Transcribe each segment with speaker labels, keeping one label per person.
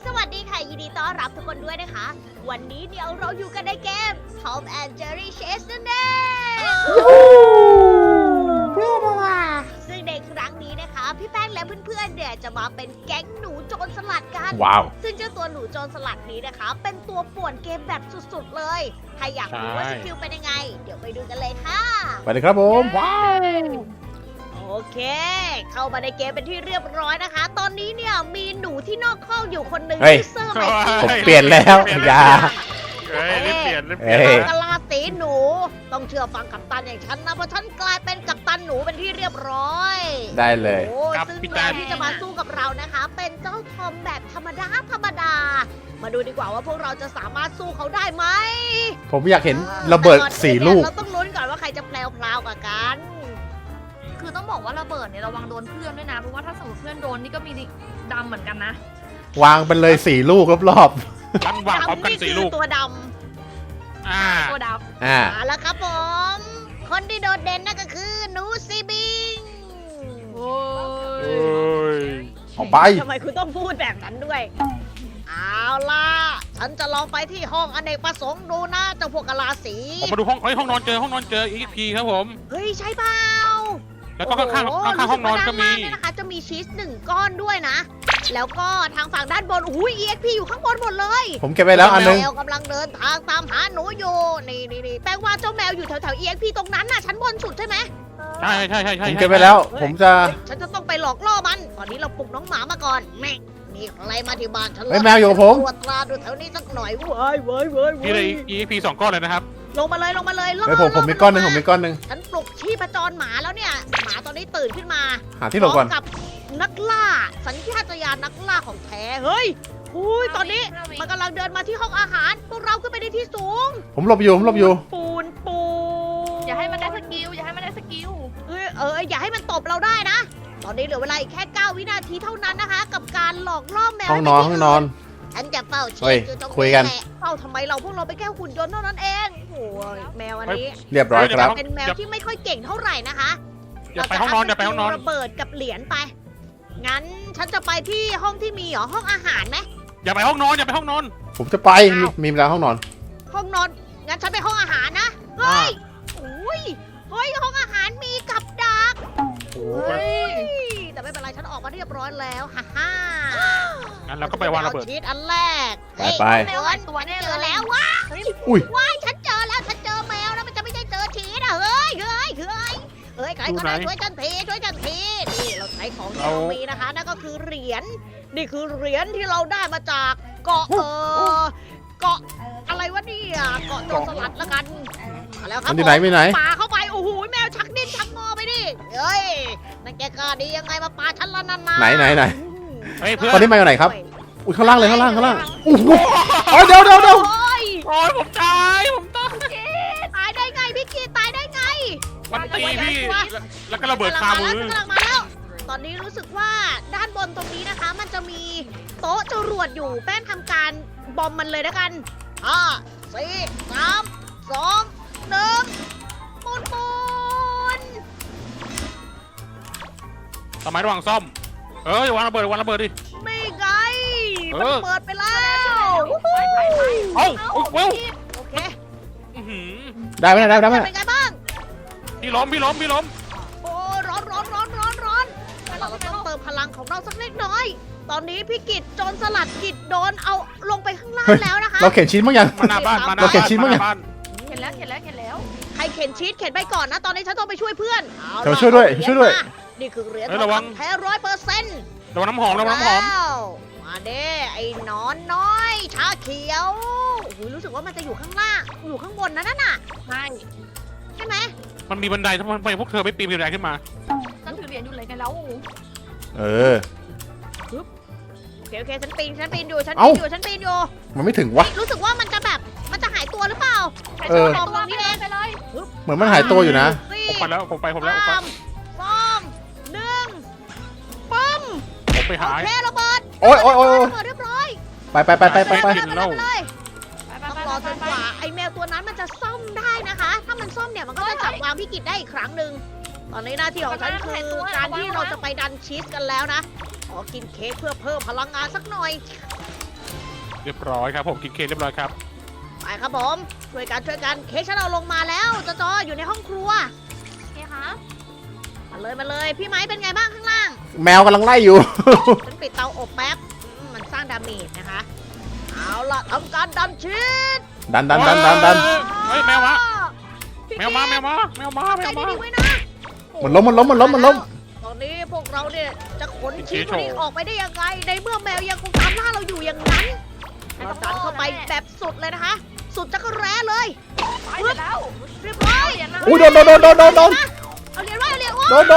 Speaker 1: สวัสดีค่ะยินดีต้อนรับทุกคนด้วยนะคะ วันนี้เดี๋ยวเราอยู่กันในเกม Tom and Jerry Chase นั่นเองซึ่งในครั้งนี้นะคะ พี่แป้งและเพื่อนๆเนี่ยจะมาเป็นแก๊งหนูโจรสลัดกัน
Speaker 2: ว้าว
Speaker 1: ซึ่งเจ้าตัวหนูโจรสลัดนี้นะคะ เป็นตัวป่วนเกมแบบสุดๆเลยถ้าอยากรู้ว่าสกิลเป็นยังไง เดี๋ยวไปดูกันเลยค่ะ
Speaker 2: ไปเลยครับผมว้าว
Speaker 1: โอเค เข้ามาในเกมเป็นที่เรียบร้อยนะคะ ตอนนี้เนี่ยมีหนูที่นอกข้อกอยู่คนหนึ่งที่เซอร์ไมค์
Speaker 2: ผมเปลี่ยนแล้วอย่า
Speaker 3: เฮ้ยรีบเปลี่ยนรีบเป
Speaker 2: เอ้
Speaker 3: ลี่ยน
Speaker 2: ย
Speaker 1: กะลาสีหนู ต้องเชื่อฟังกัปตันอย่างฉันนะ เพราะฉันกลายเป็นกัปตันหนูเป็นที่เรียบร้อย
Speaker 2: ได้เลย
Speaker 1: โอ้ซึ่งแมวที่จะมาสู้กับเรานะคะ เป็นเจ้าทอมแบบธรรมดา มาดูดีกว่าว่าพวกเราจะสามารถสู้เขาได้ไหม
Speaker 2: ผมอยากเห็นระเบิด4 ลูก
Speaker 1: เราต้องลุ้นก่อนว่าใครจะแพลวๆกว่ากัน
Speaker 4: คือต้องบอกว่าระเบิดเนี่ยระวังโดนเพื่อนด้วยนะ เพราะว่าถ้าสมมติเพื่อนโดนนี่ก็มีดำเหมือนกันนะ
Speaker 2: วางเป็นเลย4 ลูกรอบ
Speaker 3: กันวางพร้อมกัน
Speaker 1: ดำ
Speaker 3: สี่ลูก
Speaker 1: คือตัวด
Speaker 3: อ่า
Speaker 4: ตัวด
Speaker 2: ๆอ่า
Speaker 1: ำเอาละครับผม คนที่โดดเด่นนั่นก็คือหนูซีบิง
Speaker 4: ำโอ้
Speaker 3: เฮ้ย
Speaker 2: ออกไป
Speaker 1: ทำไมคุณต้องพูดแบบนั้นด้วย เอาล่ะ ฉันจะลองไปที่ห้องอเนกประสงค์ดูนะเจ้าพวกกะลาสี
Speaker 3: ผมมาดูห้องนอนเจอEXP ครับผม
Speaker 1: เฮ้ยใช่เปล่า
Speaker 3: แล้วก็ข้าง
Speaker 1: โโ
Speaker 3: ห้องนอนก็มี
Speaker 1: รู้สึว่าด้านล่างเนี่ยนะคะ จะมีชีส1 ก้อนด้วยนะ แล้วก็ทางฝั่งด้านบนอุ้ย EXP อยู่ข้างบนหมดเลย
Speaker 2: ผมเก็บไปแล้วอันนึง
Speaker 1: แมวกำลังเดินทางตามหาหนูอยู่ นี่แปลว่าเจ้าแมวอยู่แถวๆ EXP ตรงนั้นน่ะชั้นบนสุดใช่ไหม
Speaker 3: ใช่
Speaker 2: ผมเก็บไปแล้ว ผมจะ
Speaker 1: ฉันจะต้องไปหลอกล่อมัน ตอนนี้เราปลุกน้องหมามาก่อนแม่มีใครมาที่บ้านฉันหร
Speaker 2: เฮ้ยแมวอยู่กับผม
Speaker 1: ตรวจตราดูแถวนี้สักหน่อยเว้ย
Speaker 3: พี่เลย EXP 2 ก้อนเลยนะครับ
Speaker 1: ลงมาเลยล่อ
Speaker 2: เฮ้ยผมมีก้อนหนึงผมมีก้อนหนึง
Speaker 1: ฉันปลุกชีพจรหมาแล้วเนี่ย หมาตอนนี้ตื่นขึ้นมา
Speaker 2: หาที่หลบก่อน
Speaker 1: พร้อมกับนักล่า สัญชาตญาณนักล่าของแท้ เฮ้ยอุ้ยตอนนี้มันกำลังเดินมาที่ห้องอาหาร พวกเราขึ้นไปในที่สูง
Speaker 2: ผมหลบอยู่
Speaker 1: ปูน
Speaker 4: อย่าให้มันได้สกิล อย่าให้มันได้สกิล
Speaker 1: อย่าให้มันตบเราได้นะ ตอนนี้เหลือเวลาอีกแค่ 9 วินาทีเท่านั้นนะคะ กับการหลอกล่อแมว
Speaker 2: ห้องนอน
Speaker 1: ไป
Speaker 2: ห้
Speaker 1: ที่
Speaker 2: องนอน
Speaker 1: ฉันจะเฝ้าเช็
Speaker 2: เฮ้
Speaker 1: ค
Speaker 2: ย
Speaker 1: อยู่ตรง
Speaker 2: คุยกัน
Speaker 1: แหละเฝ้าทำไมเราพวกเราไปนแค่หุ่นยนต์เท่านั้นเองโอ้ยแมวอันนี้
Speaker 2: เรียบร้อยครับ
Speaker 1: เป็นแมวที่ไม่ค่อยเก่งเท่าไหร่นะคะ
Speaker 3: อย่าไปห้องนอนอย่าไปห้องนอน
Speaker 1: ระเบิดกับเหรียญไป งั้นฉันจะไปที่ห้องที่มีเหรอห้องอาหารไหม
Speaker 3: อย่าไปห้องนอนอย่าไปห้องนอน
Speaker 2: ผมจะไปมีแล้วห้องนอน
Speaker 1: ห้องนอน งั้นฉันไปห้องอาหารนะ เฮ้ยอุ้ยเฮ้ยห้องอาหารมีกับดัก
Speaker 4: เฮ้ย
Speaker 1: แต่ไม่เป็นไรฉันออกมาเรียบร้อยแล้วฮ่าฮ่า
Speaker 3: งั้นเราก็ไปวางระเบิด
Speaker 1: ชีสอันแรก
Speaker 2: ไป
Speaker 4: แมวหลายตัวแน่
Speaker 1: เจ
Speaker 4: เล
Speaker 1: อย แล้วว้า
Speaker 2: อุ้ย
Speaker 1: ว้ายฉันเจอแล้วฉันเจอแมวแล้วมันจะไม่ใช่เจอชีสอ่ะเฮ้ยใครก็ได้ช่วยฉันทีนี่เราใช้ของที่เรามีนะคะนั่นก็คือเหรียญนี่คือเหรียญที่เราได้มาจากเกาะเกาะอะไรวะเนี่ยเกาะโจรสลัดละกันมาแล้วครับ
Speaker 2: มันอยู่ไหนมีไหน
Speaker 1: ปาเข้าไปโอ้โหแมวชักดิ้นชักงอไปดิเฮ้ยนั่นแกกล้าดียังไงมาปาฉันละนั่นนะ
Speaker 2: ไหน
Speaker 3: เฮ้ยเพื่อ
Speaker 2: ตอน
Speaker 3: น
Speaker 2: นี้มาอยู่ไหนครับ อุ้ยข้างล่างเลยข้างล่างโอ้โหเดี๋ยว
Speaker 1: โอ้ย
Speaker 3: โอ้ยผมตาย
Speaker 1: ตายได้ไงพี่กีตายได้ไง
Speaker 3: มันตีพี่แล้วก็ระเบิดคามือ
Speaker 1: กำลังมาแล้ว ตอนนี้รู้สึกว่าด้านบนตรงนี้นะคะ มันจะมีโต๊ะจรวดอยู่แป้งทำการบอมมันเลยแล้วกัน5 4 3 2 1ปูน
Speaker 3: สมัยระหว่างซ่อมเอ้ยวางระเบิดดิ
Speaker 1: ไม่ไง
Speaker 3: เอ
Speaker 1: มัน
Speaker 3: อ
Speaker 1: เปิดไปแล้ว
Speaker 3: เอ้าเว้ย
Speaker 1: โอเค
Speaker 3: อื้อหือ
Speaker 2: ได้ไหมได้ไหม
Speaker 1: เป็นไงบ้าง
Speaker 3: พี่ล้ม
Speaker 1: โอ้ร้อนเราต้องเติมพลังของเราสักเล็กน้อย ตอนนี้พี่กิจโจรสลัดกิจโดนเอาลงไปข้างล่างแล้วนะคะ
Speaker 2: เราเข็นชิ้นมั้งยัง
Speaker 3: มาหน้าบ้านมาหน้า
Speaker 2: เราเข็นชิ้นมั้งเนี่ย
Speaker 3: บ้าน
Speaker 4: เห็นแล้ว
Speaker 1: ใครเข็นชีสเข็นไปก่อนนะ ตอนนี้ฉันต้องไปช่วยเพื่อนเอา
Speaker 2: เดี๋ยว
Speaker 1: ล่ะ
Speaker 2: ช่วยด้วย
Speaker 1: เอาเหรี
Speaker 2: ช่วยด้วย
Speaker 1: มานี่คือเหรียญ
Speaker 3: เฮ้ย
Speaker 1: ทอ
Speaker 3: ระวั
Speaker 1: ง
Speaker 3: ง
Speaker 1: คำแท้100%
Speaker 3: ระวังน้ำหอม
Speaker 1: มาเด้ไอ้หนอนน้อยชาเขียวโอ้โหรู้สึกว่ามันจะอยู่ข้างล่างอยู่ข้างบนนะนั่นน่ะ
Speaker 4: ใช่
Speaker 1: ใช่ไหม
Speaker 3: มันมีบันไดทำไมพวกเธอไม่ปีนบันไดขึ้นมา
Speaker 4: ฉันถือเหรียญอยู่เลยกันแล้ว
Speaker 2: เออ
Speaker 1: โอเคฉันปีนอยู่
Speaker 2: เอ้า มันไม่ถึงวะ
Speaker 1: รู้สึกว่ามันจะแบบมันจะหายตัวหรือเปล่า
Speaker 2: เออ
Speaker 1: ตรงนี้เอง
Speaker 4: ไปเลย
Speaker 2: เหมือนมันหายตัวอยู่นะ
Speaker 3: ผมไปแล้ว
Speaker 1: 3 2 1ปั๊ม
Speaker 3: ผมไปหา
Speaker 1: โอเคระเบิด
Speaker 2: โอ้ย
Speaker 1: ระเบิดเรียบร้อย
Speaker 2: ไป
Speaker 3: กินเหล้า
Speaker 1: เลย
Speaker 4: ไป
Speaker 1: ต้องรอจนกว่าไอ้แมวตัวนั้นมันจะซ่อมได้นะคะ ถ้ามันซ่อมเนี่ยมันก็จะจับวางพี่กิจได้อีกครั้งหนึ่งตอนนี้หน้าที่ของฉันคือการที่เราจะไปดันชีสกันแล้วนะขอกินเค้กเพื่อเพิ่มพลังงานสักหน่อย
Speaker 3: เรียบร้อยครับผมกินเค้กเรียบร้อยครับ
Speaker 1: ไปครับผมช่วยกันเค้กฉันเอาลงมาแล้วจออยู่ในห้องครัว
Speaker 4: โอเคครับ
Speaker 1: มาเลยพี่ไม้เป็นไงบ้างข้างล่าง
Speaker 2: แมวกำลังไล่อยู่
Speaker 1: ฉันปิดเตาอบแป๊บมันสร้างดาเมจนะคะเอาล่ะทำการดันชีส
Speaker 2: ดัน
Speaker 3: เฮ้ยแมวมา
Speaker 1: พี่
Speaker 3: แมวมาแมวมาแมวมาแม
Speaker 1: ใจ
Speaker 3: วมา
Speaker 1: ดีๆไว้นะ
Speaker 2: มันล้ม
Speaker 1: ตอนนี้พวกเราเนี่ยจะขนชีสพวกนี้ออกไปได้ยังไงในเมื่อแมวยังคงตามล่าเราอยู่อย่างนั้นเราดันเข้าไปแบบสุดเลยนะคะ สุดจักรแร้เลย
Speaker 4: ไปเสร็จแล้ว
Speaker 1: เรียบร้อย
Speaker 4: เดี๋ยวนะ
Speaker 2: อุ้ยโดน
Speaker 1: เอาเหรียญไว้เอาเหรียญไว้
Speaker 2: โดน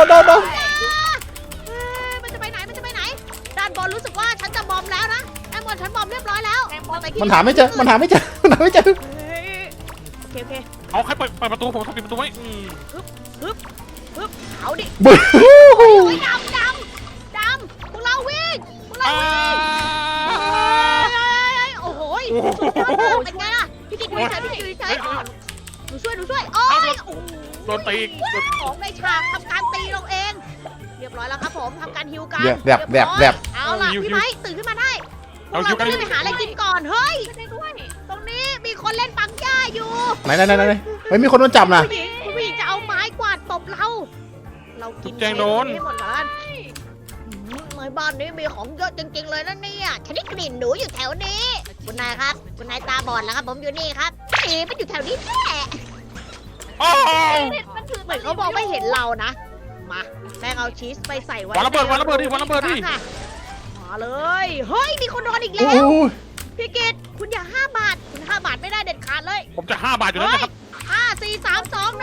Speaker 1: มันจะไปไหนด้านบนรู้สึกว่าฉันจะบอมแล้วนะด้านบนฉันบอมเรียบร้อยแล้ว
Speaker 2: มันหาไม่เจอ
Speaker 1: เฮ้ยโอเค
Speaker 3: เอาใครเปิดประตูผมต้องปิดประตูไว้
Speaker 1: เอาดิ
Speaker 2: บึ้
Speaker 1: โอ้ยดำพวกเราวิ่งโอ้โหสุดยอดมากเป็นไงล่ะพี่กิ๊กอยู่เฉยหนูช่วยโอ้ย
Speaker 3: โดนตี
Speaker 1: ของในฉากทำการตีเราเอง เรียบร้อยแล้วครับผมทำการฮิวกัน
Speaker 2: แบบ
Speaker 1: เอาล่ะพี่ไม้ตื่นขึ้นมาได้พวกเราต้องรีบไปหาอะไรกินก่อนเฮ้ย
Speaker 4: ช่วยได้ด้วย
Speaker 1: ตรงนี้มีคนเล่นปังย่าอยู่
Speaker 2: ไหนเฮ้ยมีคนโดนจับนะ
Speaker 1: คุณผู้หญิงจะเอาไม้กวาดตบเรากินให้หมดแล้วในบ้านนี้มีของเยอะจริงๆเลยนะเนี่ยฉันได้กลิ่นหนูอยู่แถวนี้คุณนายครับคุณนายตาบอดแล้วครับผมอยู่นี่ครับมันอยู่แถวนี้แน่
Speaker 3: โอ้
Speaker 4: มันถือ
Speaker 1: เหมือนเขาบอกไม่เห็นเรานะมาแป้งเอาชีสไปใส่ไว้
Speaker 3: วันระเบิดดิวันระเบิดดิ
Speaker 1: มาเลยเฮ้ยมีคนโดนอีก
Speaker 2: โอ้
Speaker 1: แล้ว
Speaker 2: โห
Speaker 1: พี่กิตคุณอย่า5 บาทคุณ5 บาทไม่ได้เด็ดขาดเลย
Speaker 3: ผมจะ5 บาทอยู่แล้วนะครับ
Speaker 1: 5 4 3 2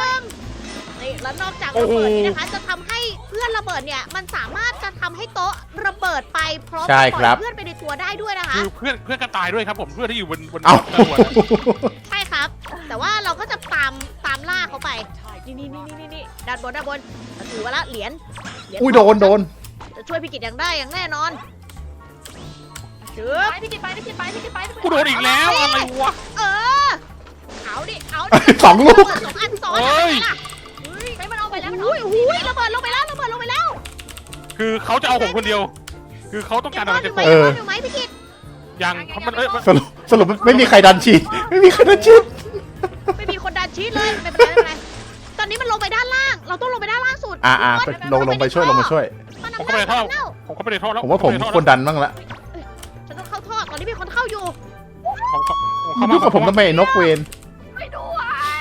Speaker 1: 1นี่แล้วนอกจากระเบิดนี้นะคะจะทำให้เพื่อนระเบิดเนี่ยมันสามารถจะทำให้โต๊ะระเบิดไปพร้อมกับปล่อยเพื่อนไปในตัวได้ด้วยนะคะ
Speaker 3: คือเพื่อนก็ตายด้วยครับผมเพื่อนที่อยู่บน
Speaker 2: เอ้า
Speaker 1: ใช่ครับ แต่ว่าเราก็จะตามล่าเขาไปนี่ด้านบนถือว่าละเหรียญ
Speaker 2: อุ้ยโดน
Speaker 1: จะช่วยพี่กิตอย่างได้อย่างแน่นอนชึบ
Speaker 4: ไปพี่กินไป
Speaker 3: กูโดนอีกแล้วอะไรวะ
Speaker 1: เออเอาดิ
Speaker 2: สองลูก
Speaker 1: 2 อันซ้อน
Speaker 3: เฮ้ย
Speaker 1: ล่ะ
Speaker 4: ไปมันเอาไปแล้ว
Speaker 1: อุ้ยระเบิดลงไปแล้ว
Speaker 3: คือเขาจะเอาผมคนเดียว คือเขาต้องการอะไรจากผม
Speaker 1: อยู่ไหมพี่กิต
Speaker 3: ยังมัน
Speaker 2: สรุปไม่มีใครดันชีส
Speaker 1: ไม่มีคนดันชีสเลยไม่เป็นไรตอนนี้มันลงไปด้านล่าง เราต้องลงไปด้านล่างสุด
Speaker 2: ลงไปช่วย
Speaker 3: ผมเข้าไปในท่อแล้ว
Speaker 2: ผมว่าผมควรดันบ้างละ
Speaker 1: ฉันต้องเข้าท่อตอนนี้มีคนเข้าอยู่
Speaker 2: มันยุ่งกับผมทำไมนกเวน
Speaker 4: ไปด้วย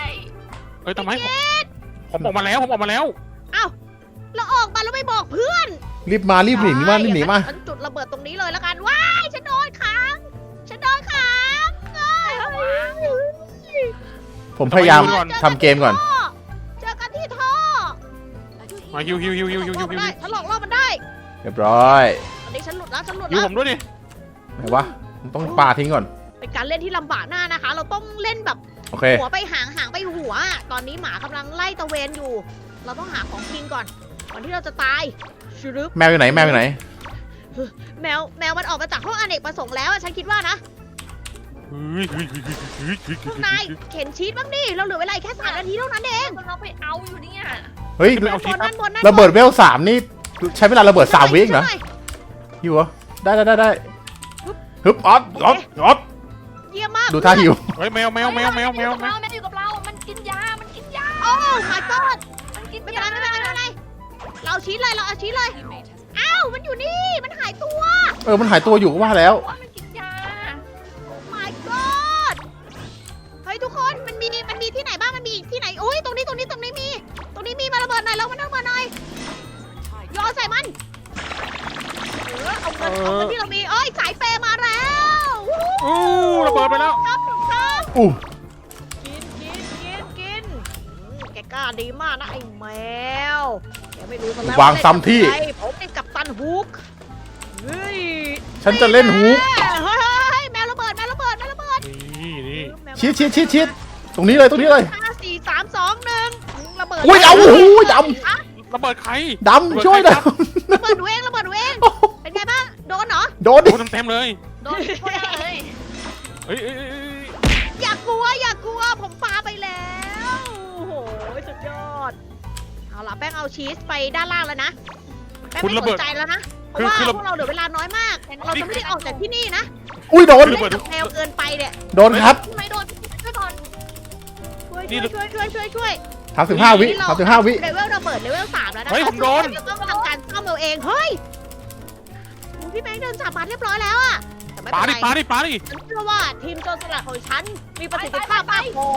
Speaker 3: เฮ้ยทำไมผมออกมาแล้ว
Speaker 1: เราออกมาแล้วไม่บอกเพื่อน
Speaker 2: รีบหนีมา
Speaker 1: ฉันจุดระเบิดตรงนี้เลยแล้วกันว้ายฉันโดนขัง
Speaker 2: ผมพยายามทำเกมก่อน
Speaker 1: เจอกันที่ท่อ
Speaker 3: มาฮิว
Speaker 1: ฉันหลอกล่อมันได้
Speaker 2: เรียบร้อย
Speaker 1: ตอนนี้ฉันหลุดแล้ว
Speaker 3: ฮิวผมด้วยดิ
Speaker 2: ไหนวะต้องปาทิ้งก่อน
Speaker 1: เป็นการเล่นที่ลำบากหน้านะคะ เราต้องเล่นแบบ
Speaker 2: โอเค
Speaker 1: หัวไปหางไปหัว ตอนนี้หมากำลังไล่ตะเวนอยู่ เราต้องหาของกินก่อนที่เราจะตายชึบ
Speaker 2: แมวอยู่ไหน
Speaker 1: แมวมันออกมาจากห้องอเนกประสงค์แล้วฉันคิดว่านะพวกนายเข็นชีสบ้างดิเราเหลือเวลาแค่3 นาทีเท่านั้นเอง
Speaker 4: เราไปเอาอยู่เนี่ย
Speaker 2: เฮ้ย
Speaker 1: ด้านบน
Speaker 2: ระเบิดเวล 3นี่ใช้เวลาระเบิด3 วิเหรอหิวเหรอได้ฮึบออฟ
Speaker 1: เยี่ยมมาก
Speaker 2: ดูท่าหิว
Speaker 3: เฮ้ยแมว
Speaker 4: แมวอยู่กับเรา มันกินยา
Speaker 1: โอ้ my god
Speaker 4: มันกิน
Speaker 1: ไม่
Speaker 4: ยา
Speaker 1: เป็นไรเราเอาชีสเลยอ้าวมันอยู่นี่มันหายตัว
Speaker 2: มันหายตัวอยู่ก็ว่าแล้ว
Speaker 4: มันกินยา
Speaker 1: my god เฮ้ยทุกคนมันมีที่ไหนบ้างมันมีที่ไหนโอ้ยตรงนี้มีมาระเบิดหน่อยแล้วมันระเบิดหน่อยย้อนใส่มันเอาเงินที่เรามีเอ้ยสายเปย์มาแล้ว
Speaker 3: ระเบิดไปแล้ว
Speaker 1: ครับ
Speaker 2: อู้
Speaker 1: กินแกกล้าดีมากนะไอ้แมวแกไม่รู้ซะแล้ว
Speaker 2: วางซ้ำที่
Speaker 1: ผมเป็นกัปตันฮุกเฮ้ย
Speaker 2: ฉันจะเล่นฮูก
Speaker 1: เฮ้ยแมวระเบิด
Speaker 3: นี่
Speaker 2: ชิดตรงนี้เลย
Speaker 1: 5 4 3 2 1ระเบิด
Speaker 2: อุ้ยดำด
Speaker 3: ระเบิดใคร
Speaker 2: ำช่วยหน่อย
Speaker 1: ระเบิดหนูเองเป็นไงบ้างโดนเหรอ
Speaker 2: โดนดิ
Speaker 3: โดนเต็มเลย
Speaker 4: โดนโทษเลย
Speaker 3: เฮ้ย
Speaker 1: อย่ากลัวผมปาไปแล้วโอ้โหสุดยอดเอาล่ะแป้งเอาชีสไปด้านล่างแล้วนะแป้งไม่สนใจแล้วนะเพเพราะว่าพวกเราเหลือเวลาน้อยมาก เราจะไม่ได้ออกจากที่นี่นะ
Speaker 2: อุ้ยโดน
Speaker 1: เล่นกับแมวเกินไปเนี่ย
Speaker 2: โดนครับ
Speaker 4: ทำไมโดนช่วยก่อน
Speaker 1: ช่วย
Speaker 2: 35 วิ35 วิ
Speaker 1: เลเวลเราเปิดเลเวล3แล้วนะคะ
Speaker 3: เฮ้ยผมโดน
Speaker 1: เราต้องทำการซ่อมเราเองเฮ้ยพี่แมงเดินจับมาเรียบร้อยแล้วอะแต่ไม่
Speaker 3: ปา
Speaker 1: เป็น
Speaker 3: ดิ
Speaker 1: ไร
Speaker 3: ปาดิปาดิ
Speaker 1: ฉันเชื่อว่าทีมโจรสลัดของฉันมีประสิทธิภาพมากพอ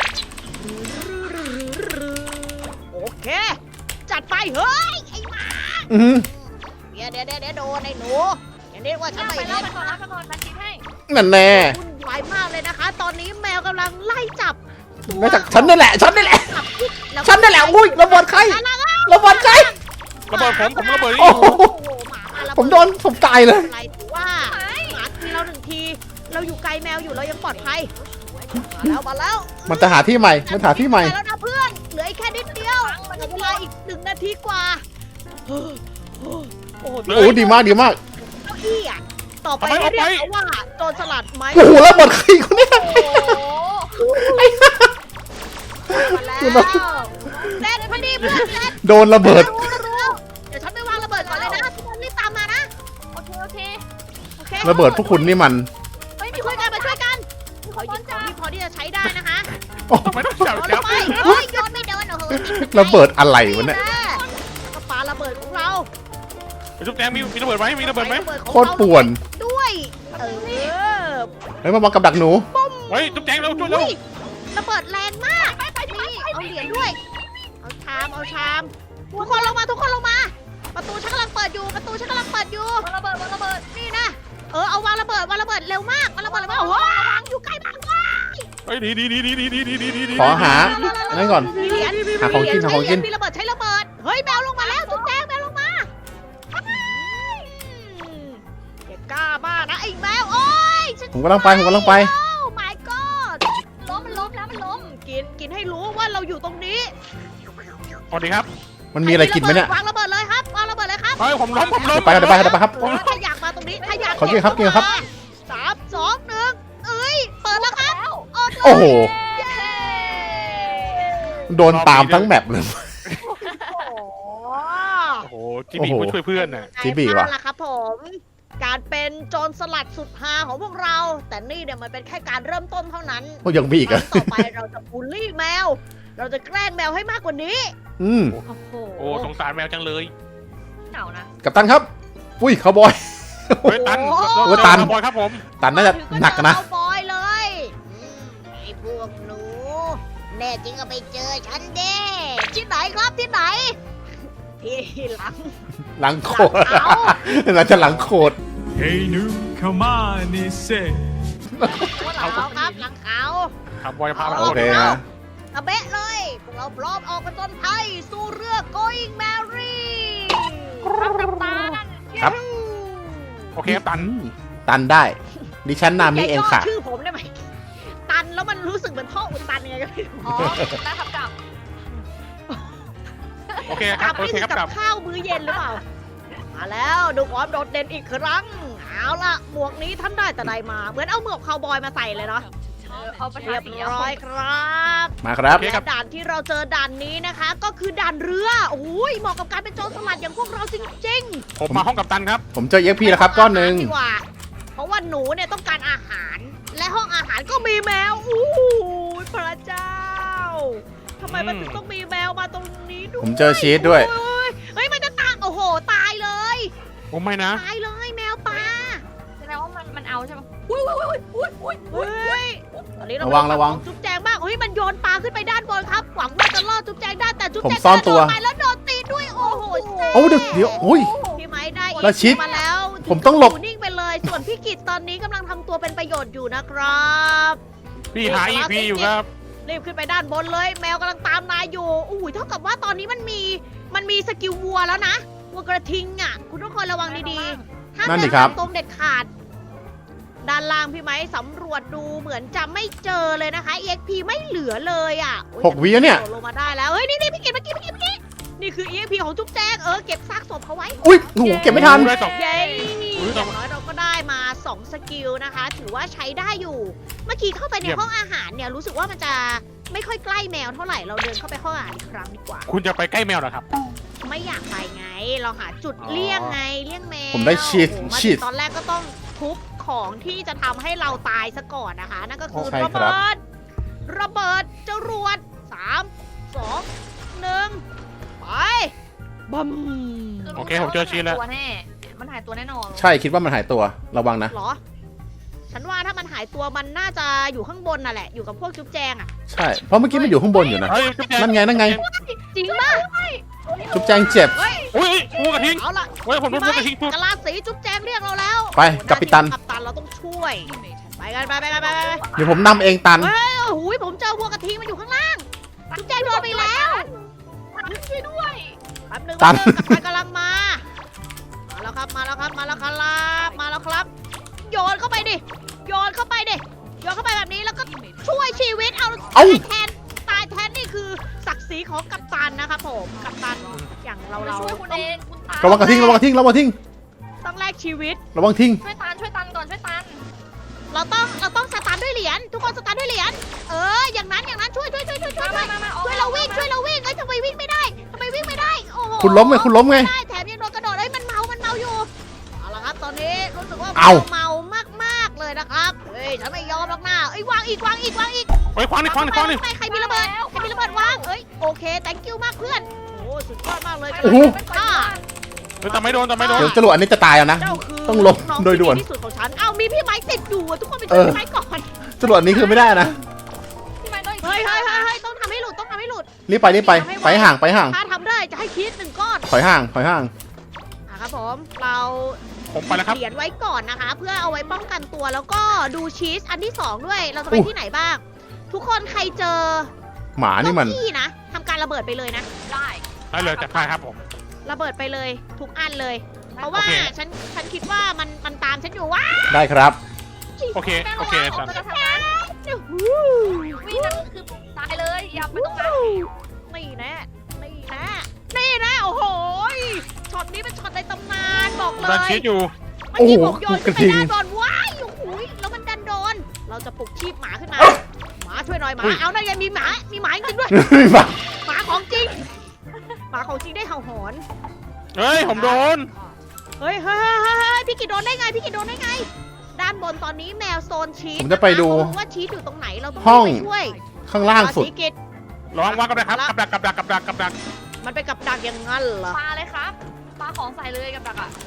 Speaker 1: โอเค จัดไปเฮ้ยไอ้หมา
Speaker 2: อือ
Speaker 1: เดี๋ยวโดนไอ้หนูอย่างนี้ว่าฉัน
Speaker 4: ไป
Speaker 1: ไม่
Speaker 4: แล้
Speaker 1: เห็
Speaker 4: วน ไปก่อนมาคิดให้
Speaker 2: นั่นแน่
Speaker 1: วุ่นวายมากเลยนะคะ ตอนนี้แมวกำลังไล่จับตัว
Speaker 2: ไม่จากฉันนี่แหละฉันนี่แหละ
Speaker 1: จับพิษแล้ว
Speaker 2: ฉันนี่แหละอุ้ยระเบิดใครระเบิดใคร
Speaker 3: ระเบิดผมระเบิดนี่
Speaker 2: โอ้
Speaker 3: อยู่
Speaker 2: โห
Speaker 1: โอ้โหหมามาแล้ว
Speaker 2: ผมโดนผมตายเลย
Speaker 1: อะไรถือว่าหมาทีเรา1 ที เราอยู่ไกลแมวอยู่เรายังปลอดภัยมาแล้ว
Speaker 2: มันจะหาที่ใหม่มันหาที่ใหม่
Speaker 1: ไปแล้วนะเพื่อนเหลืออีกแค่นิดเดียวเหลือเวลาอีก1 นาทีกว่าโอ้โห
Speaker 2: โอ้ดีมากดีมาก
Speaker 1: เก้าอี้อ่ะต่อไปให้เรียกเขาว่าโจรสลัดไหม
Speaker 2: โอ้โหระเบิดใครคนเนี้ย
Speaker 1: โอ้โหมาแล้วเล่นพอดีเพื่อนเล่น
Speaker 2: โดนระเบิด
Speaker 1: รู้เดี๋ยวฉันไปวางระเบิดก่อนเลยนะทุกคนรีบตามมานะ
Speaker 4: โอเค
Speaker 1: โอเค
Speaker 2: ระเบิดพวกคุณนี่มัน
Speaker 4: เฮ้ย
Speaker 1: มา
Speaker 4: มีค
Speaker 1: ช่วย
Speaker 4: น
Speaker 1: กันมาช่วยกัน
Speaker 4: มีค
Speaker 1: ขอน หยิบข
Speaker 4: จ้า
Speaker 1: องที่พอที่จะใช้ได้นะคะ
Speaker 2: โอ้
Speaker 3: ทำไมต้องจับ
Speaker 1: โยน
Speaker 3: จับ
Speaker 1: ไปเฮ้ยโยนไม่โดนโอ้โห
Speaker 2: ระเบิดอะไรวะเนี่ย
Speaker 1: กระปาระเบิดของเรา
Speaker 3: จุ๊บแจงมีระเบิดไหมมีระเบิดไหม
Speaker 2: โคตรป่วน
Speaker 1: ด้วยเออ
Speaker 2: เฮ้ยมากับดักหนู
Speaker 3: เฮ้ยจุ๊บแจงเร็วช่วยเร็ว
Speaker 1: อุ้ยระเบิดแรงมากนี่เอาเหรียญด้วยเอาชามทุกคนลงมาประตูฉันกำลังเปิดอยู่
Speaker 4: ระเบิด
Speaker 1: นี่นะเอาวางระเบิดเร็วมากวางระเบิดโอ้โหวางอยู่ใกล้มากว้าย
Speaker 3: เฮ้ยดี
Speaker 2: ขอหาอันนั้นก่อน
Speaker 1: มีเหรียญ
Speaker 2: หาของกินหาของกิน
Speaker 1: มีระเบิดใช้ระเบิดเฮ้ยแมวลงมาแล้วจุ๊บแจงแมวลงมาอย่ากล้ามากนะไอ้แมวโอ้ย
Speaker 2: ผมกำลังไป
Speaker 1: โอ้ my god
Speaker 4: มันล้มแล้วมันล้ม
Speaker 1: กินให้รู้ว่าเราอยู่ตรงนี้
Speaker 3: สวัสดีครับ
Speaker 2: มันมีอะไรกินไหมเนี่ย
Speaker 1: วางระเบิดเลยครับวางระเบิดเลยครับ
Speaker 3: เฮ้ยผมล้ม
Speaker 2: ไปครับ
Speaker 1: ถ้าอยากมาตรงนี้ถ้าอยาก
Speaker 2: ขอกินครับกินครับ
Speaker 1: 3 2 1เอ้ยเปิดแล้วครับ
Speaker 2: โอ้โห
Speaker 1: เย้
Speaker 2: โดนตามทั้งแมปเลย
Speaker 3: โอ้โหจิบีมาช่วยเพื่อนน่ะ
Speaker 2: จิบีว่ะ
Speaker 1: นั่นแหละครับผม การเป็นโจรสลัดสุดฮาของพวกเรา แต่นี่เนี่ยมันเป็นแค่การเริ่มต้นเท่านั้น
Speaker 2: โอ้ยังมีอีก
Speaker 1: ครั้
Speaker 2: อะ
Speaker 1: งต่อไปเราจะบูลลี่แมว เราจะแกล้งแมวให้มากกว่านี้
Speaker 2: อืม
Speaker 1: โอ้โห
Speaker 3: โอ้สงสารแมวจังเลย
Speaker 4: เหงานะ
Speaker 2: กัปตันครับ อุ้ยคาวบอย
Speaker 3: เฮ้ยตัน
Speaker 2: โอ้ตัน
Speaker 3: บอยครับผม
Speaker 2: ตันน่าจะหนักนะ
Speaker 1: ถึงเจอคาวบอยเลยไอ้พวกหนู แน่จริงก็ไปเจอฉันเด้ที่ไหนครับที่ไหน ที่หลัง
Speaker 2: หลังโคตร
Speaker 1: เอา
Speaker 2: น่าจะหลังโคตร
Speaker 5: Hey new, come on, he said.
Speaker 1: หลังเขาครับหลังเขา
Speaker 3: ครับบอยพาไป
Speaker 2: โอเคฮะ
Speaker 1: ตะเบะเลยพวกเราพร้อมออกผจญภัยสู่เรือ Going Merry
Speaker 2: ครับ
Speaker 3: โอเคตัน
Speaker 2: ตันได้ ดิฉันนามิเองค่ะ
Speaker 1: ย่าย่ชื่อผมได้ไหมตันแล้วมันรู้สึกเหมือนท่ออุดตันยังไงก็ไม่รู้
Speaker 4: อ๋อได้ครับกลับ
Speaker 3: โอเคค
Speaker 1: ก
Speaker 3: รั
Speaker 1: ลั
Speaker 3: บบ โอ
Speaker 1: นี่
Speaker 3: เค
Speaker 1: คือ
Speaker 3: ครับ
Speaker 1: กั
Speaker 3: กลั
Speaker 1: บบ ข้าวมื้อเย็นหรือเปล่า มาแล้วดูความโดดเด่นอีกครั้ง เอาล่ะหมวกนี้ท่านได้แต่ใดมา เหมือนเอาหมวกคาวบอยมาใส่เลยเนาะ
Speaker 4: เอาไป
Speaker 1: เรียบ
Speaker 4: สี
Speaker 1: ร้อยครับ
Speaker 2: มาครับ
Speaker 3: โอเคครับ
Speaker 1: และด่านที่เราเจอด่านนี้นะคะ ก็คือด่านเรือโอ้ยเหมาะกับการเป็นโจรสลัดอย่างพวกเราจริง
Speaker 3: ผมมาห้องกับตันครับ
Speaker 2: ผมเจอเอ็กพีแล้วครับก้อนหนึ่ง
Speaker 1: ดีกว่า เพราะว่าหนูเนี่ยต้องการอาหาร และห้องอาหารก็มีแมวอู้ยพระเจ้าทำไมมันถึงต้องมีแมวมาตรงนี้ด้วย
Speaker 2: ผมเจอชีสด้วย
Speaker 1: โอ้ยเฮ้ยมันจะตายโอ้โหตายเลย
Speaker 3: ผมไม่นะ
Speaker 1: ตายเลยแมวปลา
Speaker 4: แสดงว่ามันเอาใช่ไหมอุ้ย
Speaker 1: เฮ้ยตอนนี้เรา
Speaker 2: ระวัง
Speaker 1: จุ๊บแจงบ้างเฮ้ยมันโยนปลาขึ้นไปด้านบนครับหวังว่าจะล่อจุ๊บแจงได้แต่จุ๊บ
Speaker 2: ผม
Speaker 1: แจง
Speaker 2: ซ่อนตัว
Speaker 1: กระโดดไปแล้วโดนตีด้วยโอ้โหแซ่บ
Speaker 2: โอ้เดี๋ยวอุ้ย
Speaker 1: พี่ไม้ได้
Speaker 2: แล้วชิด
Speaker 1: มาแล้ว
Speaker 2: ผมต้องหลบ
Speaker 1: ยู่นิ่งไปเลย ส่วนพี่กิตตอนนี้กำลังทำตัวเป็นประโยชน์อยู่นะครับ
Speaker 3: พี่หาอีพีอยู่ครับ
Speaker 1: รีบขึ้นไปด้านบนเลย แมวกำลังตามนายอยู่อุ้ยเท่ากับว่าตอนนี้มันมีสกิลวัวแล้วนะวัวกระทิงอ่ะ คุณทุกคนระวังดีๆห้าม
Speaker 2: นั่นดิ
Speaker 1: เดิน
Speaker 2: ครับ
Speaker 1: ตรงเด็ดขาด ด้านล่างพี่ไม้สำรวจดูเหมือนจะไม่เจอเลยนะคะ EXP ไม่เหลือเลยอ่ะโอ้ย
Speaker 2: 6 วิแล้วเนี่ย
Speaker 1: โดดลงมาได้แล้วเฮ้ยนี่พี่กิตเมื่อกี้นี่คือ EXP ของจุ๊บแจงเก็บซากศพเขาไว้
Speaker 2: อุ้ยโอ้โหเก็บไม่ทัน
Speaker 3: ได้สอง
Speaker 1: เย้
Speaker 3: อุ๊ย
Speaker 1: อย่างน้อยเราก็ได้มา2สกิลนะคะ ถือว่าใช้ได้อยู่ เมื่อกี้เข้าไปใน
Speaker 3: เยี่ยม
Speaker 1: ห้องอาหารเนี่ยรู้สึกว่ามันจะไม่ค่อยใกล้แมวเท่าไหร่ เราเดินเข้าไปห้องอาหารอีกครั้งดีกว่า
Speaker 3: คุณจะไปใกล้แมวเหรอครับ
Speaker 1: ไม่อยากไปไง เราหาจุดเลี่ยงไงเลี่ยงแมว
Speaker 2: ผมได้ชีส
Speaker 1: โอ้โหมา
Speaker 2: ชี
Speaker 1: ถึ
Speaker 2: ส
Speaker 1: งตอนแรกก็ต้องทุบของที่จะทำให้เราตายซะก่อนนะคะ นั่นก็คือ
Speaker 2: ใช่
Speaker 1: ระ
Speaker 2: ครับ
Speaker 1: เบิดระเบิดจรวด3 2 1ไปบัม
Speaker 3: โอเคผมเจอชีสแล้ว
Speaker 4: ตัวแน่มันหายตัวแน่นอน
Speaker 2: ใช่คิดว่ามันหายตัวระวังนะ
Speaker 1: เหรอ ฉันว่าถ้ามันหายตัวมันน่าจะอยู่ข้างบนน่ะแหละ อยู่กับพวกจุ๊บแจงอะ
Speaker 2: ใช่เพราะเมื่อกี้มันอยู่ข้างบนอยู่นะ
Speaker 3: เฮ้ยจุ๊บแจง
Speaker 2: นั่นไงนั่นไง
Speaker 1: จริงป่ะ
Speaker 2: จุ๊บแจงเจ็บ
Speaker 3: อุ้ยงูกระทิง
Speaker 1: เอาล่ะ
Speaker 3: เฮ้ยผมโดนงูกระทิงทุบ
Speaker 1: กะลาสีจุ๊บแจงเรียกเราแล้ว
Speaker 2: ไปกัปตัน
Speaker 1: กัปตันเราต้องช่วย ไปกันไป
Speaker 2: เดี๋ยวผมนำเองตัน
Speaker 1: เฮ้ยโอ้โหผมเจอวัวกระทิงมันอยู่ข้างล่าง จุ๊บแจงโดนไปแล้ว
Speaker 4: ช่วยด้วย
Speaker 1: แป๊บนึง
Speaker 2: ตัน
Speaker 1: กัปตันกำลังมา มาแล้วครับ มาแล้วครับ โยนเข้าไปดิ โยนเข้าไปแบบนี้แล้วก็ช่วยชีวิตเอา
Speaker 2: เอ้า
Speaker 1: ตายแทนนี่คือศักดิ์ศรีของกัปตันนะครับผม กัปตันอย่างเรา
Speaker 4: ช่วยคุณ
Speaker 1: ต้อง
Speaker 4: เองคุณตา
Speaker 2: ระวังกระทิงระวังกระทิงระวังกระทิง
Speaker 1: ต้องแลกชีวิต
Speaker 2: ระวังทิ้ง
Speaker 4: ช่วยตันก่อนช่วยตัน
Speaker 1: เราต้องสตาร์ทด้วยเหรียญ ทุกคนสตาร์ทด้วยเหรียญ อย่างนั้นช่วย
Speaker 4: มา
Speaker 1: ช่วยเราวิ่งเอ้ยทำไมวิ่งไม่ได้ โอ้โห
Speaker 2: คุณล้มไงคุณล้มไง
Speaker 1: ได้แถมยังโดนกระโดดเอ้ยมันเมาอยู่ เอาละครับตอนนี้รู้สึกว่า
Speaker 2: เอา
Speaker 1: เมามากๆเลยนะครับ เฮ้ยฉันไม่ยอมหรอกนะเอ้ยวางอีก
Speaker 3: เฮ้ยคว้างนี่
Speaker 1: ใครมีระเบิดวางเอ้ยโอเค thank you มากเพื่อน โอ้สุดยอดมากเลย
Speaker 2: โอ้โห
Speaker 1: ค่ะ
Speaker 3: เฮ้ยแต่ไม่โดน
Speaker 2: เดี๋ยวจรวดอันนี้จะตายเอานะ
Speaker 1: เจ้าคือ
Speaker 2: ต้องลบ
Speaker 1: น้
Speaker 2: โดยด่วน
Speaker 1: ที่ที่สุดของฉันเอ้ามีพี่ไม้ติดอยู่อะทุกคนไปช่วยพี่ไม้ก่อน
Speaker 2: จรวดอันนี้คือไม่ได้นะ
Speaker 4: พี่ไม้ต้องอีก
Speaker 1: เฮ้ยต้องทำให้หลุด
Speaker 2: รีบไปไปห่าง
Speaker 1: ถ้าทำได้จะให้ชีส1 ก้อน
Speaker 2: ถอยห่าง
Speaker 1: ครับผมเรา
Speaker 3: ผมไปแล้วครับ
Speaker 1: เหรียญไว้ก่อนนะคะ เพื่อเอาไว้ป้องกันตัวแล้วก็ดูชีสอันที่2ด้วยเราจะไป
Speaker 2: อุ๊ย
Speaker 1: ที่ไหนบ้าง ทุกคนใครเจอ
Speaker 2: หมานี่มัน
Speaker 1: เก้าอี้นะทำการระเบิดไปเลยนะ
Speaker 4: ได้
Speaker 3: ได้เลยจัดไปครับผม
Speaker 1: ระเบิดไปเลยทุกอันเลย เพราะว่า
Speaker 3: โอเค
Speaker 1: ฉันคิดว่ามันตามฉันอยู่ว่า
Speaker 2: ได้ครับ
Speaker 3: โอเค
Speaker 4: แม่
Speaker 3: โอเค
Speaker 4: ระวัง
Speaker 3: จัด
Speaker 4: จะทำร้ายวิ่งนั้นคือตายเลยอย่าไปตรงนั้น
Speaker 1: นี่แน่โอ้โหช็อตนี้เป็นช็อตในตำนานบอกเล
Speaker 3: ดัน
Speaker 1: ย
Speaker 3: ชีสอยู่
Speaker 1: เมื่อกี้ผมโยนขึ้นไป
Speaker 2: โอ้โหกระทิง
Speaker 1: ด้านบนว้ายโอ้โหแล้วมันดันโดน เราจะปลุกชีพหมาขึ้นมา หมาช่วยหน่อยหมา เอานั่นไงมีหมาจริงด้วย
Speaker 2: มา
Speaker 1: หมาของจริงได้เห่าหอน
Speaker 3: เฮ้ยผมโดน
Speaker 1: เฮ้ยพี่กิดโดนได้ไง ด้านบนตอนนี้แมวโซนชีส
Speaker 2: ผมจะไปดู
Speaker 1: เขารู้ว่าชีสอยู่ตรงไหนเราต้อง
Speaker 2: ห้อง
Speaker 1: ไปช่วย
Speaker 2: ข้างล่างสุด
Speaker 1: พี่กิด
Speaker 3: ระวังวางกับดักครับกับดัก
Speaker 1: มันเป็นกับดักอย่างนั้นเหรอ
Speaker 4: ปลาเลยครับปลาของใส่เลยกับดักอ่ะ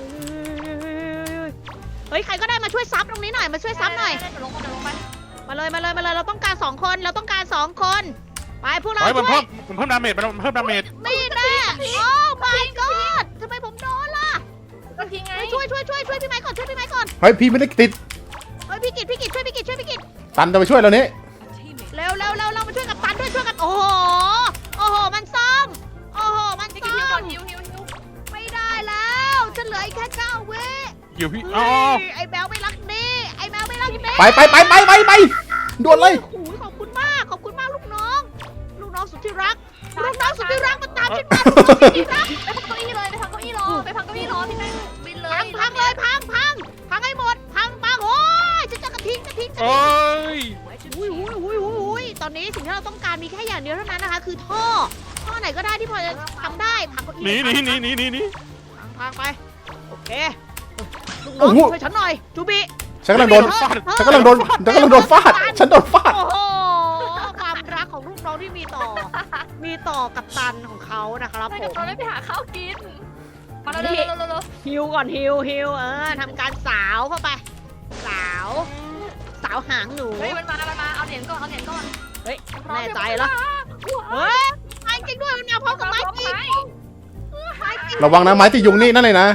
Speaker 1: เฮ้ยใครก็ได้มาช่วยซับตรงนี้หน่อยมาช่วยซับหน่อย
Speaker 4: เดี๋ยวลงไป
Speaker 1: มาเลยเราต้องการ2 คนไปพวกเรา
Speaker 3: เฮ้ยมัน
Speaker 1: ช่วย
Speaker 3: เพิ่มดาเมจมันเพิ่มดาเมจ
Speaker 1: นี่แน่โอ้ my god ทำไมผมโดนล่ะ
Speaker 4: ก็ทิ้งไง
Speaker 1: เฮ้ยช่วยพี่ไม้ก่อน
Speaker 2: เฮ้ยพี่ไม่ได้ติด
Speaker 1: เฮ้ยพี่กิตช่วยพี่กิต
Speaker 2: ตันจะไปช่วยเรานี้
Speaker 1: เร็วเรามาช่วยกับตันด้วยช่วยกันโอ้โหมันซ่อมมัน
Speaker 4: จะ
Speaker 1: ซ่
Speaker 4: กิน
Speaker 1: อ
Speaker 4: ก่อน
Speaker 1: ม
Speaker 4: หิว
Speaker 1: ไม่ได้แล้วฉันเหลืออีกแค่9 วิ
Speaker 3: อยู่พี่
Speaker 1: เฮ้
Speaker 3: อ๋อย
Speaker 1: ไอ้แมวไม่รักดี
Speaker 2: ไปด่วนเลย
Speaker 1: โอ้โหขอบคุณมากลูกน้องสุดที่รักมันตามฉันมา
Speaker 4: ไปพักเก้าอี้เลยไปพักเก้าอี้รอพี่แม่บินเลย
Speaker 1: พังให้หมดโอ้ยฉันจะกระทิ้ง
Speaker 3: เอ้ย
Speaker 1: อุ้ยตอนนี้สิ่งที่เราต้องการมีแค่อย่างเดียวเท่านั้นนะคะ คือท่อไหนก็ได้ที่พอจะทำได้พังเก้าอี้
Speaker 3: หนี
Speaker 1: พังไปโอเคลูกน้
Speaker 2: โอ้
Speaker 1: อง
Speaker 2: โห
Speaker 1: ช่วยฉันหน่อยจูบิ
Speaker 2: ฉันกำลังโดนฟาดฉันโดนฟาด
Speaker 1: โอ้โหความรักของลูกน้องที่มีต่อกับตันของเขานะครับ
Speaker 4: ไป
Speaker 1: ผ
Speaker 4: กับ
Speaker 1: ม
Speaker 4: เราไม่ไปหาข้าวกินมาเร็ว
Speaker 1: ฮิวก่อนฮิวทำการสาวเข้าไปสาวหางหนู
Speaker 4: เฮ้ยมันมาเอาเหรียญก่อน
Speaker 1: เฮ้ยแน่ใจแล้วเฮ้ยไม้จริงด้วยมันมาพร้อมกับไม้จริง
Speaker 2: ระวังนะไม้ติดยุงนี่นั่นเลยนะ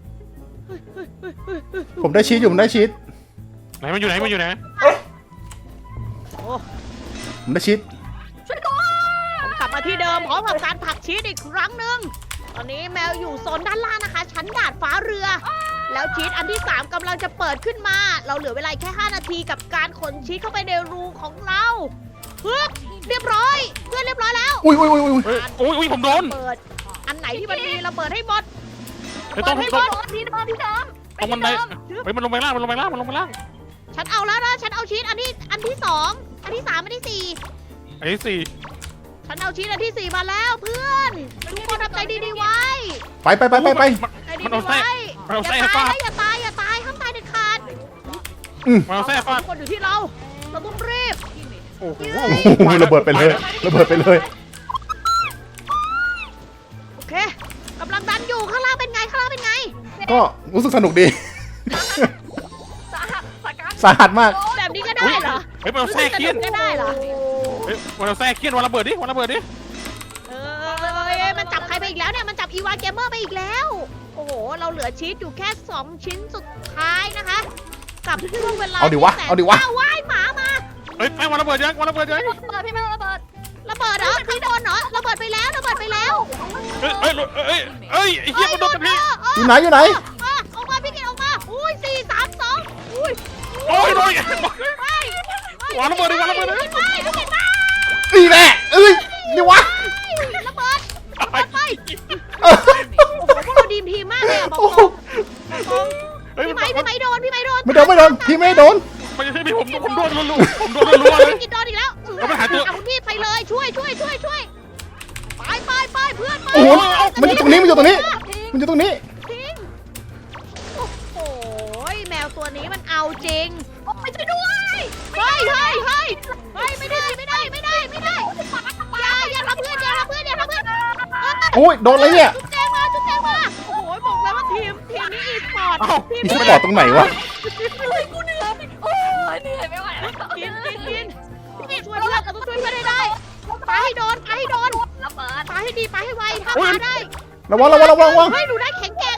Speaker 2: ผมได้ชีสอยู่ผมได้ชีส
Speaker 3: ไหนมันอยู่ไหน
Speaker 1: โอ้
Speaker 2: ผมได้ชีส
Speaker 1: ผมกลับมาที่เดิมพร้อมกับการผลักชีสอีกครั้งหนึ่งตอนนี้แมวอยู่โซนด้านล่างนะคะ ชั้นดาดฟ้าเรือ แล้วชีสอันที่ 3กำลังจะเปิดขึ้นมา เราเหลือเวลาแค่5 นาทีกับการขนชีสเข้าไปในรูของเราปึ๊บเรียบร้อยเพื่อนเรียบร้อยแล้ว
Speaker 2: อุ้ย
Speaker 3: เฮ้ยอุ้ยผมโดน
Speaker 1: เปิดอันไหนที่มันมีเราเปิดให้หมด
Speaker 3: เฮ้ยต้อง
Speaker 4: ที่เดิม
Speaker 3: ตรงบันไดเฮ้ยมันลงไปล่าง
Speaker 1: ฉันเอาแล้วนะฉันเอาชีสอันที่ 2 อันที่ 3 อันที่ 4
Speaker 3: ไอ้สี่
Speaker 1: ฉฉันเอาชีสอันที่ 4มาแล้วเพื่อนทุกคนทำใจดีๆไว้
Speaker 2: ไป
Speaker 1: ใจดี
Speaker 3: มันเอา
Speaker 1: ๆ
Speaker 3: แทร
Speaker 1: ไว้
Speaker 3: กมันเอา
Speaker 1: อย่า
Speaker 3: แทรก
Speaker 1: ตาย
Speaker 3: ฟาด
Speaker 1: นะอย่าตายห้ามตายเด็ดขาด
Speaker 3: มันเอาแทรกฟาด
Speaker 1: ทุกคนอยู่ที่เราต้องรีบ
Speaker 3: โอ้โห
Speaker 2: โอ้โหระเบิดไปเลยระเบิดไปเลย
Speaker 1: โอเคกำลังดันอยู่ข้างล่างเป็นไง
Speaker 2: ก็รู้สึกสนุกดี
Speaker 4: สาหัสสาการ
Speaker 2: สาหัสมาก
Speaker 1: แบบนี้ก็ได้เหรอ
Speaker 3: เฮ้ยมันเอาแทรกเคียน
Speaker 1: ก็ได้เหรอ
Speaker 3: เฮ้ยมันเอาแทรกเคียนวันระเบิดดิวันระเบิดดิ
Speaker 1: มันจับใครไปอีกแล้วเนี่ย มันจับอีวาเกมเมอร์ไปอีกแล้ว โอ้โห เราเหลือชีสอยู่แค่ 2 ชิ้นสุดท้ายนะคะ กับช่วงเวลา
Speaker 2: เอาดิวะ
Speaker 1: ที่แสน
Speaker 2: เอาดิวะ
Speaker 1: ว้ายหมามา
Speaker 3: เฮ้ยแป้งวันระเบิดยังวันระเบิดยัง
Speaker 4: ระเบิดพี่ไม่ต้องระเบิด
Speaker 1: ระเบิดเหรอใครโดนเหรอระเบิดไปแล้ว
Speaker 3: เฮ้ยไอ้เหี้ยมันโดนกับพี่
Speaker 2: อยู่ไหนอยู่ไหน
Speaker 1: ออกมาพี่กินออกมา อุ้ย4 3 2อุ้ย
Speaker 3: โอ้ยโดน
Speaker 1: ไป
Speaker 3: วางระเบิดดิวางระเบิดดิ
Speaker 1: ไปพี่กินไป
Speaker 2: นี่แหละเอ้ยนี่วะ
Speaker 1: ระเบิด
Speaker 2: เออ
Speaker 1: โอ้โหพวกเราดีมทีมมากเลยอะบอก
Speaker 2: โอ้
Speaker 1: ต
Speaker 2: โห
Speaker 1: รง
Speaker 3: เฮ้ย
Speaker 1: พี่
Speaker 3: มัน
Speaker 1: ไม้โดน
Speaker 2: ไม่โดนพี่ไม่โดน
Speaker 3: มันจะใช่พี่ผมโดนรัวๆผมโดนรัวๆเลย
Speaker 1: พี่กินโดนอีกแล้ว
Speaker 3: เอาไปหาตัว
Speaker 1: คุณพี่ไปเลยช่วยไปเพื่อนไป
Speaker 2: โอ้โหมันอยู่ตรงนี้มันอยู่ตรงนี้
Speaker 1: จริงโอ้โหแมวตัวนี้มันเอาจริง
Speaker 4: ไปช่วยด้วย
Speaker 1: เฮ้ยไม่ได้อย่าทำเพื่อน
Speaker 2: โอ้ยโดนอะไรเนี่ย
Speaker 1: จุ๊บแจงมาโอ้โหบอกแล้วว่าทีมนี้อีสปอร์ต
Speaker 3: เอ้า
Speaker 2: อีสปอร์ตตรงไหนวะ
Speaker 4: กูเหนื่อยโอ้ยเหนื่อยไม่ไหวแล้ว
Speaker 1: กินช่วยเพื่อนเราต้องช่วยเพื่อนให้ได้ปาให้โดน
Speaker 4: ระเบิด
Speaker 1: ปาให้ดีปาให้ไวถ้าปาได้
Speaker 2: ระวัง
Speaker 1: เฮ้ยหนูได้แข็งแกร่ง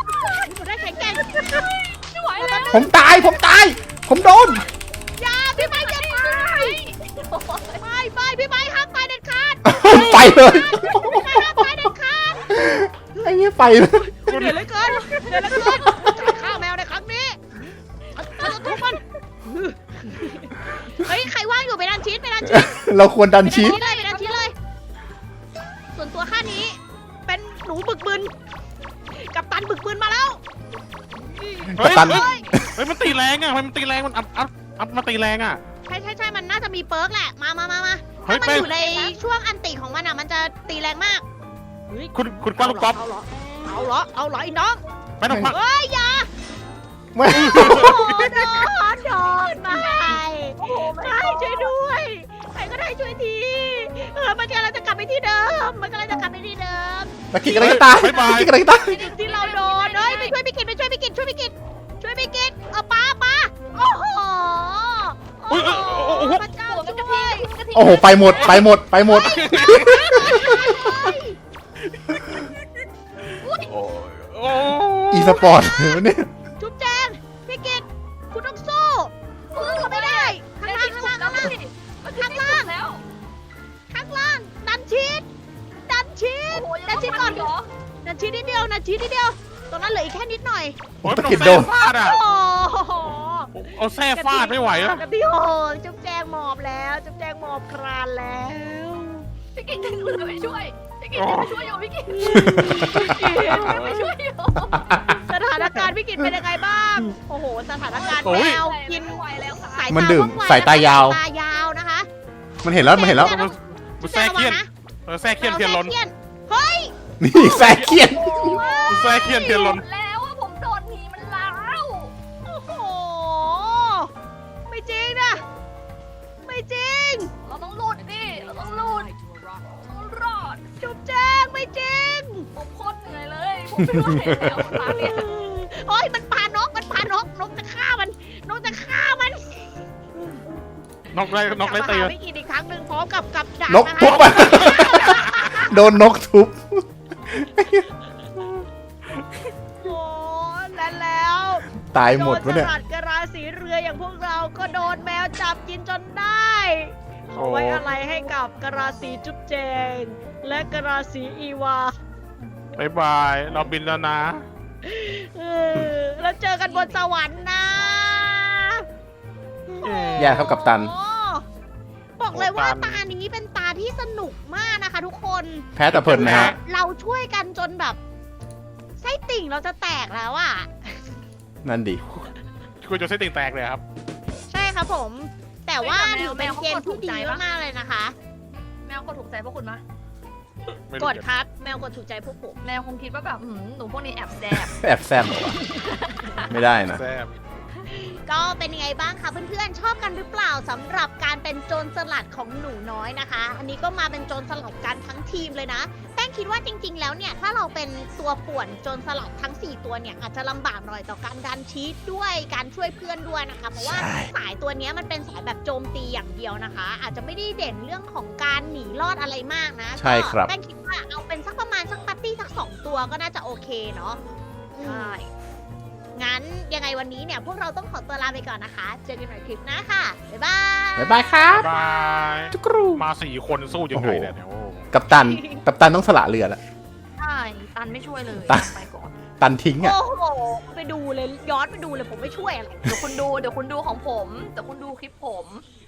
Speaker 4: ไม่ไหวแล้ว
Speaker 2: ผมตายผมโดน
Speaker 1: อย่าพี่ไม้จะตายไปพี่ไม้ห้ามตายเด็ดขาด
Speaker 2: ไปเลย
Speaker 1: ห้ามตายเด็ดขาด
Speaker 2: ไอ้เงี้ยไปเลย
Speaker 1: เหนื่อยเหลือเกินจ่ายข้าวแมวในครั้งนี้ฉันจะทุบมันเฮ้ยใครว่างอยู่ไปดันชีส
Speaker 2: เราควรดันชีส
Speaker 1: ไปดันชีสเลยส่วนตัวข้านี้เป็นหนูบึกบึนกับตันบึกบึนมาแล้ว
Speaker 2: กัปตัน
Speaker 3: เฮ้ยมันตีแรงอ่ะมันตีแรงมันอัพมาตีแรงอ่ะ
Speaker 1: ใช่มันน่าจะมีเปิร์กแหละมา
Speaker 3: เฮ้
Speaker 1: ถ้าย มัน
Speaker 3: แป้ง
Speaker 1: อยู่ในช่วงอันติของมันอ่ะมันจะตีแรงมาก
Speaker 3: คุณป้าลูกก๊อฟ
Speaker 1: เอาเหรอไอ้น้อง
Speaker 3: ไม่ต้องพัก
Speaker 1: เฮ้ยอย่า
Speaker 2: ไม่
Speaker 1: โอ้โดนไม่ช่วยด้วยใครก็ได้ช่วยทีมันกำลังจะกลับไปที่เดิม
Speaker 2: ตะกี้อะไรก็ตาย
Speaker 1: ที่เราโดนเฮ้ยไปช่วยพี่กิตป้าโอ้โหพระเจ้าช่วย
Speaker 2: โอ้โหไปหมด
Speaker 3: โอ้
Speaker 2: อีสปอร์ตเนี่ย
Speaker 1: จุ๊บแจงพี่กิตคุณต้องสู้เขาไม่ได้ข้างล่างดันชีสก่อนดันชีสนิดเดียวตรงนั้นเหลืออีกแค่นิดหน่อย
Speaker 3: โหมันเอาแทรกฟาดอ่ะ
Speaker 1: โอ้โห
Speaker 3: เอาแทรกฟาดไม่ไหวอ่ะ
Speaker 1: กับพี่โหจุ๊บแจงหมอบแล้วจุ๊บแจงหมอบครานแล้ว
Speaker 4: พี่กิ๊กจะไปช่วยอยู่พี่กิ๊กไปช่วยอยู่
Speaker 1: สถานการณ์พี่กิตเป็นยังไงบ้าง โอ้โห สถานการณ์แมวกิน
Speaker 4: ไม่ไหวแล้วค่ะ
Speaker 1: สาย
Speaker 2: มัน
Speaker 1: ตา
Speaker 2: ดื่ม
Speaker 1: ว่องไว
Speaker 2: สายตายาว
Speaker 1: ตายาวนะคะ
Speaker 2: มันเห็นแล้ว
Speaker 3: มันแทรกเคียนแทรกเคียนเทียนล้น
Speaker 1: เฮ้ย
Speaker 2: นี่แซกเคียน
Speaker 3: แทรกเคียนเทียนล้น
Speaker 4: แล้วว่าผมโดนผีมันล้าว
Speaker 1: โอ้โห ไม่จริงนะ ไม่จริง
Speaker 4: เราต้องหลุดดิเราต้องหลุดรอด
Speaker 1: จุ๊บแจงไม่จริง
Speaker 4: ผมโคตรเหนื่อยเลยผมไม่ไหวแล้วตาเนี่ย
Speaker 1: โอ้ยมันปานกจะฆ่ามัน
Speaker 3: นกไรตี
Speaker 1: ไม่กินอีกครั้งหนึ่งพร้อมกับดาบ
Speaker 2: นก
Speaker 1: นะ
Speaker 2: ทุบ
Speaker 1: คะ
Speaker 2: อ่ะโดนนกทุบ
Speaker 1: โอ้แล้ว
Speaker 2: ตายหมดวะเนี่ย
Speaker 1: โจรสลัดกะราสีเรืออย่างพวกเราก็โดนแมวจับกินจนได้ขอไว้อะไรให้กับกะราสีจุ๊บแจง และกะราสีอีวา
Speaker 3: บายบายเราบินแล้วนะ
Speaker 1: แล้วเจอกันบนสวรรค์นะ
Speaker 2: แย่ครับกัปตัน
Speaker 1: โอ้บอกเลยว่าตานี้เป็นตาที่สนุกมากนะคะทุกคน
Speaker 2: แพ้แต่เพลินนะฮะ
Speaker 1: เราช่วยกันจนแบบไส้ติ่งเราจะแตกแล้วอ่ะ
Speaker 2: นั่นดิ
Speaker 3: คุณจะเส้นติ่งแตกเลยครับ
Speaker 1: ใช่ครับผม แต่ว่าถือเป็นเกมที่ดีมากๆเลยนะคะ
Speaker 4: แมวกดถูกใจพวกคุณมะ
Speaker 3: ไม่
Speaker 1: ก
Speaker 3: รู้
Speaker 1: ดครับแมวกดถูกใจพวกผม
Speaker 4: แมวคงคิดว่าแบบหนูพวกนี้แอบแซบ
Speaker 2: แอบแซมเหรอวะไม่ได้นะ
Speaker 3: แซ่บ
Speaker 1: ก็เป็นยังไงบ้างคะเพื่อนๆชอบกันหรือเปล่าสำหรับการเป็นโจรสลัดของหนูน้อยนะคะ อันนี้ก็มาเป็นโจรสลัดกันทั้งทีมเลยนะแป้งคิดว่าจริงๆแล้วเนี่ยถ้าเราเป็นตัวป่วนโจรสลัดทั้ง 4 ตัวเนี่ยอาจจะลำบากหน่อยต่อการดันชีสด้วยการช่วยเพื่อนด้วยนะคะเพราะว่าสายตัวเนี้ยมันเป็นสายแบบโจมตีอย่างเดียวนะคะ อาจจะไม่ได้เด่นเรื่องของการหนีรอดอะไรมากนะ
Speaker 2: ใช่ครับ
Speaker 1: ก็แป้งคิดว่าเอาเป็นสักประมาณสักปาร์ตี้สัก 2 ตัวก็น่าจะโอเคเนาะ
Speaker 4: ใช่
Speaker 1: งั้นยังไงวันนี้เนี่ยพวกเราต้องขอตัวลาไปก่อนนะคะ เจอกันใหม่คลิปหน้าค่ะ บ๊ายบาย
Speaker 2: บ๊ายบายครับ
Speaker 3: บาย
Speaker 2: จุกรู
Speaker 3: มา4 คนสู้ยังไงเนี่ยโอ้
Speaker 2: กัปตันต้องสละเรือแล้ว
Speaker 4: ใช่ตันไม่ช่วยเลย
Speaker 2: ตัน
Speaker 4: ไปก่อน
Speaker 2: ตันทิ้งอ่ะ
Speaker 1: โอ้โห ไปดูเลยย้อนไปดูเลยผมไม่ช่วยอะไร
Speaker 4: เดี๋ยวคุณดูของผมเดี๋ยวคุณดูคลิปผม